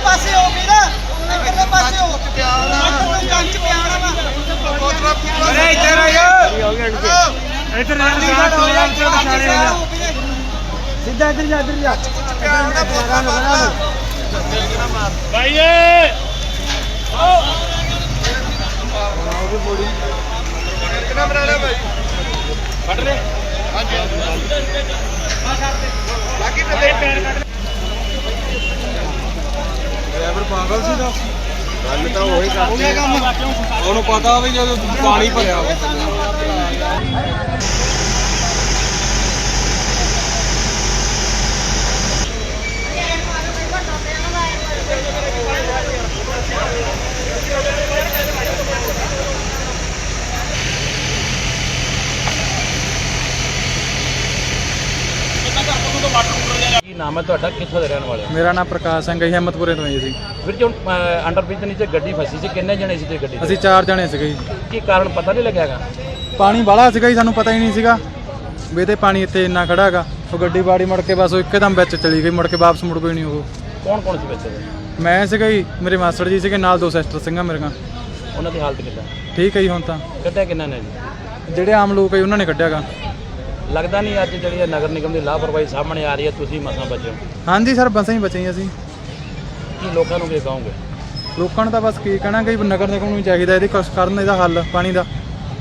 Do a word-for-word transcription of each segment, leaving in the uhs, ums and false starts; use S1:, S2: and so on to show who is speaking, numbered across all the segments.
S1: ਪਾਸੇ ਹੋ ਵੀਰ ਇਧਰਲੇ ਪਾਸੇ ਹੋ ਮੈਂ ਜੰਚ ਪਿਆਣਾ ਵਾ ਅਰੇ ਇੱਧਰ ਆ ਯਾਰ ਇੱਧਰ ਆ ਸਾਥ ਹੋ ਜਾ ਸਿੱਧਾ ਇੱਧਰ ਜਾ ਇੱਧਰ ਜਾ ਪਿਆਣਾ ਬਣਾ ਭਾਈ ਏ ਆਓ ਆਓ ਵੀ ਬੋੜੀ ਕਿੰਨਾ ਬਣਾ ਲਿਆ ਭਾਈ ਕੱਢ ਲੈ ਹਾਂਜੀ ਆ ਛੱਡ ਦੇ ਬਾਕੀ ਤੇ ਪੈਰ ਕੱਢ ਡਰਾਈਵਰ ਪਾਗਲ ਸੀ ਦਾ ਗੱਲ ਤਾਂ ਉਹੀ ਕਰਦੇ ਉਹਨੂੰ ਪਤਾ ਵੀ ਜਦੋਂ ਪਾਣੀ ਭਰਿਆ ਹੋਵੇ
S2: ਕੀ ਨਾਮ ਹੈ ਤੁਹਾਡਾ, ਕਿੱਥੋਂ ਦੇ ਰਹਿਣ ਵਾਲੇ ਹੋ?
S3: ਮੇਰਾ ਨਾਮ ਪ੍ਰਕਾਸ਼ ਸਿੰਘ ਹੈ, ਹਿੰਮਤਪੁਰੇ ਤੋਂ ਜੀ ਅਸੀਂ।
S2: ਵੀਰ ਜੀ ਅੰਡਰ ਬ੍ਰਿਜ ਦੇ ਨੀਚੇ ਗੱਡੀ ਫਸੀ ਸੀ, ਕਿੰਨੇ ਜਣੇ ਸੀ ਤੇ ਗੱਡੀ?
S3: ਅਸੀਂ ਚਾਰ ਜਣੇ ਸੀਗੇ ਜੀ।
S2: ਕੀ ਕਾਰਨ ਪਤਾ ਨਹੀਂ ਲੱਗਿਆਗਾ?
S3: ਪਾਣੀ ਬਾਹਲਾ ਸੀਗਾ ਜੀ, ਸਾਨੂੰ ਪਤਾ ਹੀ ਨਹੀਂ ਸੀਗਾ ਵੀ ਤੇ ਪਾਣੀ ਇੱਥੇ ਇੰਨਾ ਖੜਾ ਹੈਗਾ। ਉਹ ਗੱਡੀ ਬਾੜੀ ਮੁੜ ਕੇ ਬਸ ਉਹ ਇੱਕਦਮ ਵਿੱਚ ਚਲੀ ਗਈ, ਮੁੜ ਕੇ ਵਾਪਸ ਮੁੜ ਕੋਈ ਨਹੀਂ। ਉਹ
S2: ਕੌਣ ਕੌਣ ਸੀ ਵਿੱਚ?
S3: ਮੈਂ ਸੀਗਾ ਜੀ, ਮੇਰੇ ਮਾਸਟਰ ਜੀ ਸੀਗੇ, ਨਾਲ ਦੋ ਸਿਸਟਰ ਸਿੰਘਾਂ ਮੇਰੀਆਂ।
S2: ਉਹਨਾਂ ਦੀ ਹਾਲਤ ਕਿੱਦਾਂ?
S3: ਠੀਕ ਹੈ ਜੀ। ਹੁਣ ਤਾਂ
S2: ਕੱਢਿਆ ਕਿੰਨਾ ਨੇ ਜੀ?
S3: ਜਿਹੜੇ ਆਮ ਲੋਕ ਹੈ ਉਹਨਾਂ ਨੇ ਕੱਢਿਆਗਾ।
S2: ਲੱਗਦਾ ਨਹੀਂ ਅੱਜ ਜਿਹੜੀ ਨਗਰ ਨਿਗਮ ਦੀ ਲਾਪਰਵਾਹੀ ਸਾਹਮਣੇ ਆ ਰਹੀ ਹੈ, ਤੁਸੀਂ ਮਸਾਂ ਬਚੋ?
S3: ਹਾਂਜੀ ਸਰ, ਬਸਾਂ ਹੀ ਬਚੇ ਜੀ ਅਸੀਂ।
S2: ਕੀ ਲੋਕਾਂ ਨੂੰ ਕੀ ਕਹੋਗੇ?
S3: ਲੋਕਾਂ ਨੂੰ ਤਾਂ ਬਸ ਕੀ ਕਹਿਣਾ ਕਿ ਨਗਰ ਨਿਗਮ ਨੂੰ ਚਾਹੀਦਾ ਇਹਦੇ ਕੁਛ ਕਰਨ, ਇਹਦਾ ਹੱਲ ਪਾਣੀ ਦਾ।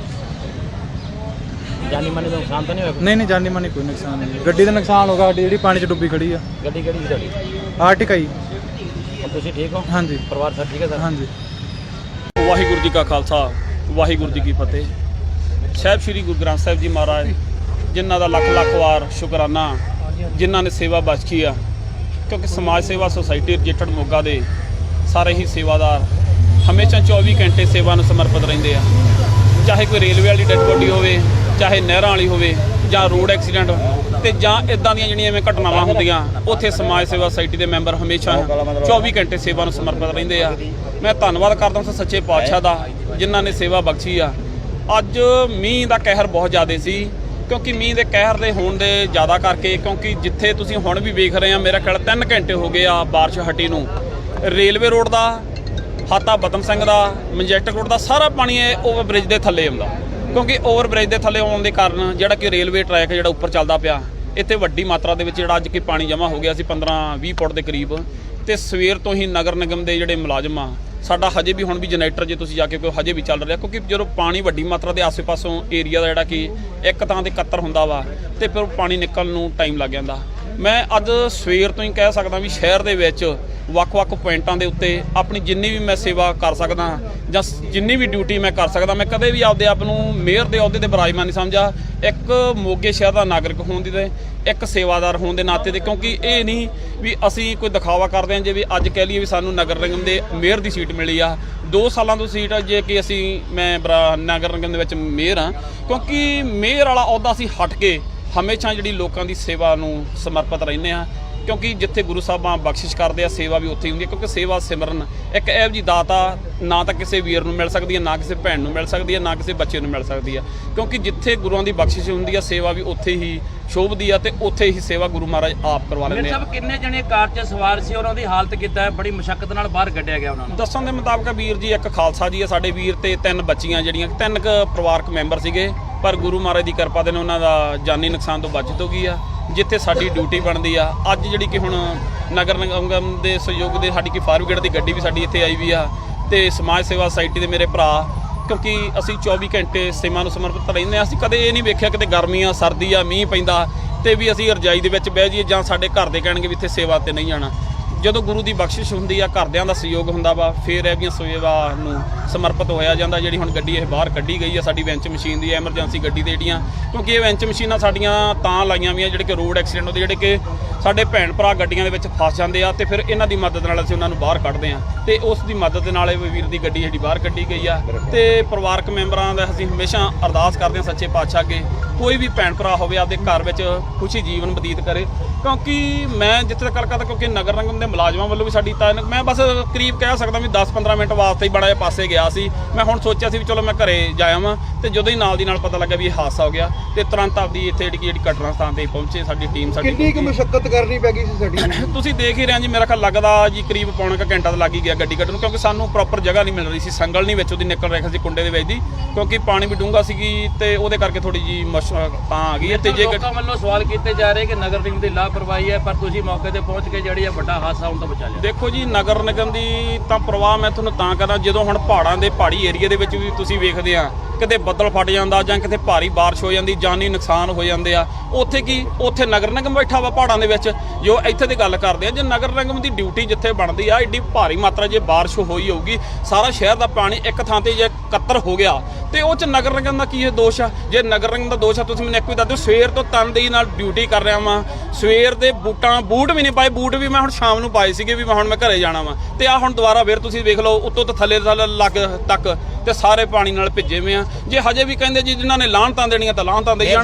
S2: ਜਾਨੀ ਮਾਨੀ ਦਾ ਨੁਕਸਾਨ ਤਾਂ ਨਹੀਂ ਹੋਇਆ?
S3: ਨਹੀਂ ਨਹੀਂ, ਜਾਨੀ ਮਾਨੀ ਕੋਈ ਨੁਕਸਾਨ ਨਹੀਂ। ਗੱਡੀ ਦਾ ਨੁਕਸਾਨ ਹੋਗਾ, ਗੱਡੀ ਜਿਹੜੀ ਪਾਣੀ 'ਚ ਡੁੱਬੀ ਖੜੀ ਆ।
S2: ਗੱਡੀ ਕਿਹੜੀ ਸੀ ਤੁਹਾਡੀ?
S3: ਆਰਟਿਕਾ ਜੀ।
S2: ਹੁਣ ਤੁਸੀਂ ਠੀਕ ਹੋ?
S3: ਹਾਂਜੀ।
S2: ਪਰਿਵਾਰ ਸਭ ਠੀਕ ਹੈ ਸਰ?
S3: ਹਾਂਜੀ।
S4: ਵਾਹਿਗੁਰੂ ਜੀ ਕਾ ਖਾਲਸਾ, ਵਾਹਿਗੁਰੂ ਜੀ ਕੀ ਫਤਿਹ। ਸਾਹਿਬ ਸ਼੍ਰੀ ਗੁਰੂ ਗ੍ਰੰਥ ਸਾਹਿਬ ਜੀ ਮਹਾਰਾਜ ਜਿਨ੍ਹਾਂ ਦਾ ਲੱਖ ਲੱਖ ਵਾਰ ਸ਼ੁਕਰਾਨਾ, ਜਿਨ੍ਹਾਂ ਨੇ ਸੇਵਾ ਬਖਸ਼ੀ ਆ। ਕਿਉਂਕਿ ਸਮਾਜ ਸੇਵਾ ਸੁਸਾਇਟੀ ਰਜਿਸਟਰਡ ਮੋਗਾ ਦੇ ਸਾਰੇ ਹੀ ਸੇਵਾਦਾਰ ਹਮੇਸ਼ਾ ਚੌਵੀ ਘੰਟੇ ਸੇਵਾ ਨੂੰ ਸਮਰਪਿਤ ਰਹਿੰਦੇ ਆ। ਚਾਹੇ ਕੋਈ ਰੇਲਵੇ ਵਾਲੀ ਡੈਡ ਬੋਡੀ ਹੋਵੇ, ਚਾਹੇ ਨਹਿਰਾਂ ਵਾਲੀ ਹੋਵੇ, ਜਾਂ ਰੋਡ ਐਕਸੀਡੈਂਟ ਤੇ ਜਾਂ ਇਦਾਂ ਦੀਆਂ ਜਿਹੜੀਆਂ ਐਵੇਂ ਘਟਨਾਵਾਂ ਹੁੰਦੀਆਂ, ਉੱਥੇ ਸਮਾਜ ਸੇਵਾ ਸੁਸਾਇਟੀ ਦੇ ਮੈਂਬਰ ਹਮੇਸ਼ਾ ਚੌਵੀ ਘੰਟੇ ਸੇਵਾ ਨੂੰ ਸਮਰਪਿਤ ਰਹਿੰਦੇ ਆ। ਮੈਂ ਧੰਨਵਾਦ ਕਰਦਾ ਉਸ ਸੱਚੇ ਪਾਤਸ਼ਾਹ ਦਾ ਜਿਨ੍ਹਾਂ ਨੇ ਸੇਵਾ ਬਖਸ਼ੀ ਆ। ਅੱਜ ਮੀਂਹ ਦਾ ਕਹਿਰ ਬਹੁਤ ਜ਼ਿਆਦਾ ਸੀ, ਕਿਉਂਕਿ ਮੀਂਹ ਦੇ ਕਹਿਰ ਦੇ ਹੋਣ ਦੇ ਜ਼ਿਆਦਾ ਕਰਕੇ, ਕਿਉਂਕਿ ਜਿੱਥੇ ਤੁਸੀਂ ਹੁਣ ਵੀ ਵੇਖ ਰਹੇ ਆ, ਮੇਰਾ ਖਿਆਲ ਤਿੰਨ ਘੰਟੇ ਹੋ ਗਏ ਆ ਬਾਰਿਸ਼ ਹਟੀ ਨੂੰ। ਰੇਲਵੇ ਰੋਡ ਦਾ, ਹਾਤਾ ਬਤਮ ਸਿੰਘ ਦਾ, ਮਜੈਸਟਿਕ ਰੋਡ ਦਾ ਸਾਰਾ ਪਾਣੀ ਓਵਰ ਬ੍ਰਿਜ ਦੇ ਥੱਲੇ ਆਉਂਦਾ। ਕਿਉਂਕਿ ਓਵਰ ਬ੍ਰਿਜ ਦੇ ਥੱਲੇ ਆਉਣ ਦੇ ਕਾਰਨ ਜਿਹੜਾ ਕਿ ਰੇਲਵੇ ਟਰੈਕ ਜਿਹੜਾ ਉੱਪਰ ਚੱਲਦਾ ਪਿਆ, ਇੱਥੇ ਵੱਡੀ ਮਾਤਰਾ ਦੇ ਵਿੱਚ ਜਿਹੜਾ ਅੱਜ ਕਿ ਪਾਣੀ ਜਮ੍ਹਾਂ ਹੋ ਗਿਆ ਸੀ ਪੰਦਰਾਂ ਵੀਹ ਫੁੱਟ ਦੇ ਕਰੀਬ। ਤੇ ਸਵੇਰ ਤੋਂ ਹੀ ਨਗਰ ਨਿਗਮ ਦੇ ਜਿਹੜੇ ਮੁਲਾਜ਼ਮ ਆ, ਸਾਡਾ ਹਜੇ ਵੀ ਹੁਣ ਵੀ ਜਨਰੇਟਰ ਜੇ ਤੁਸੀਂ ਜਾ ਕੇ ਕੋਈ ਹਜੇ ਵੀ ਚੱਲ ਰਿਹਾ, ਕਿਉਂਕਿ ਜਦੋਂ ਪਾਣੀ ਵੱਡੀ ਮਾਤਰਾ ਦੇ ਆਸੇ ਪਾਸੋਂ ਏਰੀਆ ਦਾ ਜਿਹੜਾ ਕਿ ਇੱਕ ਤਾਂ ਦੇ ਇਕੱਤਰ ਹੁੰਦਾ ਵਾ ਤੇ ਫਿਰ ਪਾਣੀ ਨਿਕਲਣ ਨੂੰ ਟਾਈਮ ਲੱਗ ਜਾਂਦਾ। ਮੈਂ ਅੱਜ ਸਵੇਰ ਤੋਂ ਹੀ ਕਹਿ ਸਕਦਾ ਵੀ ਸ਼ਹਿਰ ਦੇ ਵਿੱਚ ਵੱਖ-ਵੱਖ ਪੁਆਇੰਟਾਂ ਦੇ ਉੱਤੇ ਆਪਣੀ ਜਿੰਨੀ ਵੀ ਮੈਂ ਸੇਵਾ ਕਰ ਸਕਦਾ ਜਾਂ ਜਿੰਨੀ ਵੀ ਡਿਊਟੀ ਮੈਂ ਕਰ ਸਕਦਾ, ਮੈਂ ਕਦੇ ਵੀ ਆਪਦੇ ਆਪ ਨੂੰ ਮੇਅਰ ਦੇ ਅਹੁਦੇ ਤੇ ਬਰਾਜਮਾਨ ਨਹੀਂ ਸਮਝਿਆ। ਇੱਕ ਮੋਗੇ ਸ਼ਹਿਰ ਦਾ ਨਾਗਰਿਕ ਹੋਣ ਦੀ ਤੇ ਇੱਕ ਸੇਵਾਦਾਰ ਹੋਣ ਦੇ ਨਾਤੇ ਤੇ, ਕਿਉਂਕਿ ਇਹ ਨਹੀਂ ਵੀ ਅਸੀਂ ਕੋਈ ਦਿਖਾਵਾ ਕਰਦੇ ਹਾਂ ਜੇ ਵੀ ਅੱਜ ਕਹਿ ਲਈਏ ਵੀ ਸਾਨੂੰ ਨਗਰ ਨਿਗਮ ਦੇ ਮੇਅਰ ਦੀ ਸੀਟ ਮਿਲੀ ਆ। ਦੋ ਸਾਲਾਂ ਤੋਂ ਸੀਟ ਜੇ ਕਿ ਅਸੀਂ ਮੈਂ ਨਗਰ ਨਿਗਮ ਦੇ ਵਿੱਚ ਮੇਅਰ ਹਾਂ, ਕਿਉਂਕਿ ਮੇਅਰ ਵਾਲਾ ਅਹੁਦਾ ਅਸੀਂ ਹਟ ਕੇ ਹਮੇਸ਼ਾ ਜਿਹੜੀ ਲੋਕਾਂ ਦੀ ਸੇਵਾ ਨੂੰ ਸਮਰਪਿਤ ਰਹਿੰਦੇ ਹਾਂ। ਕਿਉਂਕਿ ਜਿੱਥੇ ਗੁਰੂ ਸਾਹਿਬਾਂ ਬਖਸ਼ਿਸ਼ ਕਰਦੇ ਆ, ਸੇਵਾ ਵੀ ਉੱਥੇ ਹੀ ਹੁੰਦੀ ਹੈ। ਕਿਉਂਕਿ ਸੇਵਾ ਸਿਮਰਨ ਇੱਕ ਇਹੋ ਜਿਹੀ ਦਾਤ ਆ, ਨਾ ਤਾਂ ਕਿਸੇ ਵੀਰ ਨੂੰ ਮਿਲ ਸਕਦੀ ਹੈ, ਨਾ ਕਿਸੇ ਭੈਣ ਨੂੰ ਮਿਲ ਸਕਦੀ ਹੈ, ਨਾ ਕਿਸੇ ਬੱਚੇ ਨੂੰ ਮਿਲ ਸਕਦੀ ਹੈ। ਕਿਉਂਕਿ ਜਿੱਥੇ ਗੁਰੂਆਂ ਦੀ ਬਖਸ਼ਿਸ਼ ਹੁੰਦੀ ਆ, ਸੇਵਾ ਵੀ ਉੱਥੇ ਹੀ ਸ਼ੋਭਦੀ ਆ ਤੇ ਉੱਥੇ ਹੀ ਸੇਵਾ ਗੁਰੂ ਮਹਾਰਾਜ ਆਪ ਕਰਵਾ ਲੈਂਦੇ ਆ।
S2: ਸਭ ਕਿੰਨੇ ਜਣੇ ਕਾਰ 'ਚ ਸਵਾਰ ਸੀ, ਉਹਨਾਂ ਦੀ ਹਾਲਤ ਕਿੱਦਾਂ ਹੈ? ਬੜੀ ਮੁਸ਼ੱਕਤ ਨਾਲ ਬਾਹਰ ਕੱਢਿਆ ਗਿਆ ਉਹਨਾਂ ਨੂੰ?
S4: ਦੱਸਣ ਦੇ ਮੁਤਾਬਕ ਵੀਰ ਜੀ ਇੱਕ ਖਾਲਸਾ ਜੀ ਆ ਸਾਡੇ ਵੀਰ, ਤੇ ਤਿੰਨ ਬੱਚੀਆਂ ਜਿਹੜੀਆਂ ਤਿੰਨ ਕੁ ਪਰਿਵਾਰਕ ਮੈਂਬਰ ਸੀਗੇ, ਪਰ ਗੁਰੂ ਮਹਾਰਾਜ ਦੀ ਕਿਰਪਾ ਦੇ ਨਾਲ ਉਹਨਾਂ ਦਾ ਜਾਨੀ ਨੁਕਸਾਨ ਤੋਂ ਬਚਤ ਹੋ ਗਈ ਆ। ਜਿੱਥੇ ਸਾਡੀ ਡਿਊਟੀ ਬਣਦੀ ਆ, ਅੱਜ ਜਿਹੜੀ ਕਿ ਹੁਣ ਨਗਰ ਨਿਗਮ ਦੇ ਸਹਿਯੋਗ ਦੇ ਸਾਡੀ ਕਿ ਫਾਇਰ ਬ੍ਰਿਗੇਡ ਦੀ ਗੱਡੀ ਵੀ ਸਾਡੀ ਇੱਥੇ ਆਈ ਵੀ ਆ, ਤੇ ਸਮਾਜ ਸੇਵਾ ਸੁਸਾਇਟੀ ਦੇ ਮੇਰੇ ਭਰਾ, ਕਿਉਂਕਿ ਅਸੀਂ ਚੌਵੀ ਘੰਟੇ ਸੇਵਾ ਨੂੰ ਸਮਰਪਿਤ ਰਹਿੰਦੇ ਹਾਂ। ਅਸੀਂ ਕਦੇ ਇਹ ਨਹੀਂ ਵੇਖਿਆ ਕਿਤੇ ਗਰਮੀ ਆ, ਸਰਦੀ ਆ, ਮੀਂਹ ਪੈਂਦਾ ਤੇ ਵੀ ਅਸੀਂ ਰਜਾਈ ਦੇ ਵਿੱਚ ਬਹਿ ਜਾਈਏ ਜਾਂ ਸਾਡੇ ਘਰ ਦੇ ਕਹਿਣਗੇ ਵੀ ਇੱਥੇ ਸੇਵਾ ਤੇ ਨਹੀਂ ਜਾਣਾ। ਜਦੋਂ ਗੁਰੂ ਦੀ ਬਖਸ਼ਿਸ਼ ਹੁੰਦੀ ਆ, ਘਰਦਿਆਂ ਦਾ ਸਹਿਯੋਗ ਹੁੰਦਾ ਵਾ, ਫਿਰ ਇਹ ਦੀਆਂ ਸੇਵਾ ਨੂੰ ਸਮਰਪਿਤ ਹੋਇਆ ਜਾਂਦਾ। ਜਿਹੜੀ ਹੁਣ ਗੱਡੀ ਇਹ ਬਾਹਰ ਕੱਢੀ ਗਈ ਆ ਸਾਡੀ ਵੈਂਚ ਮਸ਼ੀਨ ਦੀ, ਐਮਰਜੈਂਸੀ ਗੱਡੀ ਦੇ ਜਿਹੜੀਆਂ, ਕਿਉਂਕਿ ਇਹ ਵੈਂਚ ਮਸ਼ੀਨਾਂ ਸਾਡੀਆਂ ਤਾਂ ਲਾਈਆਂ ਵੀਆਂ ਜਿਹੜੇ ਕਿ ਰੋਡ ਐਕਸੀਡੈਂਟ ਹੁੰਦੇ, ਜਿਹੜੇ ਕਿ ਸਾਡੇ ਭੈਣ ਭਰਾ ਗੱਡੀਆਂ ਦੇ ਵਿੱਚ ਫਸ ਜਾਂਦੇ ਆ, ਤੇ ਫਿਰ ਇਹਨਾਂ ਦੀ ਮਦਦ ਨਾਲ ਅਸੀਂ ਉਹਨਾਂ ਨੂੰ ਬਾਹਰ ਕੱਢਦੇ ਹਾਂ। ਤੇ ਉਸ ਦੀ ਮਦਦ ਦੇ ਨਾਲ ਇਹ ਵੀਰ ਦੀ ਗੱਡੀ ਜਿਹੜੀ ਬਾਹਰ ਕੱਢੀ ਗਈ ਆ। ਤੇ ਪਰਿਵਾਰਕ ਮੈਂਬਰਾਂ ਦਾ ਅਸੀਂ ਹਮੇਸ਼ਾ ਅਰਦਾਸ ਕਰਦੇ ਹਾਂ ਸੱਚੇ ਪਾਤਸ਼ਾਹ ਅੱਗੇ, ਕੋਈ ਵੀ ਭੈਣ ਭਰਾ ਹੋਵੇ ਆਪਦੇ ਘਰ ਵਿੱਚ ਖੁਸ਼ੀ ਜੀਵਨ ਬਤੀਤ ਕਰੇ। ਕਿਉਂਕਿ ਮੈਂ ਜਿੱਥੇ ਤੱਕ ਗੱਲ ਕਰਦਾ, ਕਿਉਂਕਿ ਨਗਰ ਨਿਗਮ ਦੇ ਮੁਲਾਜ਼ਮਾਂ ਵੱਲੋਂ ਵੀ ਸਾਡੀ ਤਾਂ ਮੈਂ ਬਸ ਕਰੀਬ ਕਹਿ ਸਕਦਾ ਵੀ ਦਸ ਪੰਦਰਾਂ ਮਿੰਟ ਵਾਸਤੇ ਹੀ ਬੜਾ ਜਿਹਾ ਪਾਸੇ ਗਿਆ ਸੀ। ਮੈਂ ਹੁਣ ਸੋਚਿਆ ਸੀ ਵੀ ਚਲੋ ਮੈਂ ਘਰੇ ਜਾਇਆ ਵਾਂ, ਤੇ ਜਦੋਂ ਹੀ ਨਾਲ ਦੀ ਨਾਲ ਪਤਾ ਲੱਗਾ ਵੀ ਇਹ ਹਾਦਸਾ ਹੋ ਗਿਆ ਤੇ ਤੁਰੰਤ ਆਪਦੀ ਇੱਥੇ ਜਿਹੜੀ ਜਿਹੜੀ ਘਟਨਾ ਸਥਾਨ ਤੇ ਪਹੁੰਚੇ ਸਾਡੀ ਟੀਮ ਸਾਡੀ
S1: ਕਿੰਨੀ ਕੁ ਮੁਸ਼ੱਕਤ ਕਰਨੀ ਪੈ ਗਈ ਸੀ ਸਾਡੀ?
S4: ਤੁਸੀਂ ਦੇਖ ਹੀ ਰਹੇ ਜੀ, ਮੇਰਾ ਖਿਆਲ ਲੱਗਦਾ ਜੀ ਕਰੀਬ ਪੌਣਾ ਕੁ ਘੰਟਾ ਤਾਂ ਲੱਗ ਹੀ ਗਿਆ ਗੱਡੀ ਕੱਢਣ ਨੂੰ, ਕਿਉਂਕਿ ਸਾਨੂੰ ਪ੍ਰੋਪਰ ਜਗ੍ਹਾ ਨਹੀਂ ਮਿਲ ਰਹੀ ਸੀ, ਸੰਗਲ ਨਹੀਂ ਵਿੱਚ ਉਹਦੀ ਨਿਕਲ ਰਿਹਾ ਸੀ ਕੁੰਡੇ ਦੇ ਵਿੱਚ ਦੀ, ਕਿਉਂਕਿ ਪਾਣੀ ਵੀ ਡੂੰਘਾ ਸੀਗੀ ਤੇ ਉਹਦੇ ਕਰਕੇ ਥੋੜੀ ਜੀ ਮੁਸ਼ਕਲ ਤਾਂ ਆ ਗਈ ਹੈ। ਤੇ ਜੇ
S2: ਲੋਕਾਂ ਵੱਲੋਂ ਸਵਾਲ ਕੀਤੇ ਜਾ ਰਹੇ ਕਿ ਨਗਰ ਨਿਗਮ ਦੀ ਲਾਪਰਵਾਹੀ ਹੈ, ਪਰ ਤੁਸੀਂ ਮੌਕੇ ਤੇ ਪਹੁੰਚ ਕੇ ਜਿਹੜੀ ਇਹ ਵੱਡਾ ਹਾਦਸਾ ਹੋਣ ਤੋਂ ਬਚਾ ਲਿਆ।
S4: ਦੇਖੋ ਜੀ, ਨਗਰ ਨਿਗਮ ਦੀ ਤਾਂ ਪ੍ਰਵਾਹ ਮੈਂ ਤੁਹਾਨੂੰ ਤਾਂ ਕਰਾਂ, ਜਦੋਂ ਹੁਣ ਪਹਾੜਾਂ ਦੇ ਪਹਾੜੀ ਏਰੀਆ ਦੇ ਵਿੱਚ ਵੀ ਤੁਸੀਂ ਵੇਖਦੇ ਆ ਕਿਤੇ ਬੱਦਲ ਫਟ ਜਾਂਦਾ ਜਾਂ ਕਿਤੇ ਭਾਰੀ ਬਾਰਿਸ਼ ਹੋ ਜਾਂਦੀ, ਜਾਨੀ ਨੁਕਸਾਨ ਹੋ ਜਾਂਦੇ ਆ, ਉੱਥੇ ਕੀ ਉੱਥੇ ਨਗਰ ਨਿਗਮ ਬੈਠਾ ਵਾ ਪਹਾੜਾਂ ਦੇ ਵਿੱਚ। ਜੋ ਇੱਥੇ ਦੀ ਗੱਲ ਕਰਦੇ ਆ, ਜੇ ਨਗਰ ਨਿਗਮ ਦੀ ਡਿਊਟੀ ਜਿੱਥੇ ਬਣਦੀ ਆ, ਐਡੀ ਭਾਰੀ ਮਾਤਰਾ ਜੇ ਬਾਰਿਸ਼ ਹੋਈ ਹੋਊਗੀ, ਸਾਰਾ ਸ਼ਹਿਰ ਦਾ ਪਾਣੀ ਇੱਕ ਥਾਂ ਤੇ ਜੇ ਇਕੱਤਰ ਹੋ ਗਿਆ ਤੇ ਉਹ ਚ ਨਗਰ ਨਿਗਮ ਦਾ ਕੀ ਇਹ ਦੋਸ਼ ਆ? ਜੇ ਨਗਰ ਨਿਗਮ ਦਾ ਦੋਸ਼ ਆ, ਤੁਸੀਂ ਮੈਨੂੰ ਇੱਕ ਵੀ ਦੱਸ ਦਿਓ। ਸਵੇਰ ਤੋਂ ਤਨਦੇਹੀ ਨਾਲ ਡਿਊਟੀ ਕਰ ਰਿਹਾ ਵਾਂ, ਸਵੇਰ ਦੇ ਬੂਟਾਂ ਬੂਟ ਵੀ ਨਹੀਂ ਪਾਏ, ਬੂਟ ਵੀ ਮੈਂ ਹੁਣ ਸ਼ਾਮ ਨੂੰ ਪਾਏ ਸੀਗੇ ਵੀ ਮੈਂ ਹੁਣ ਮੈਂ ਘਰੇ ਜਾਣਾ ਵਾਂ, ਤੇ ਆ ਹੁਣ ਦੁਬਾਰਾ ਫੇਰ ਤੁਸੀਂ ਵੇਖ ਲਓ ਉੱਤੋਂ ਤੋਂ ਥੱਲੇ ਲੱਗ ਤੱਕ ਤੇ ਸਾਰੇ ਪਾਣੀ ਨਾਲ ਭਿੱਜੇ ਹੋਏ ਆ। ਜੇ ਹਜੇ ਵੀ ਕਹਿੰਦੇ ਜੀ ਜਿਨ੍ਹਾਂ ਨੇ ਲਾਹਨਤਾਂ ਦੇਣੀਆਂ ਤਾਂ ਲਾਹਨਤਾਂ ਦੇਈ ਜਾਣ।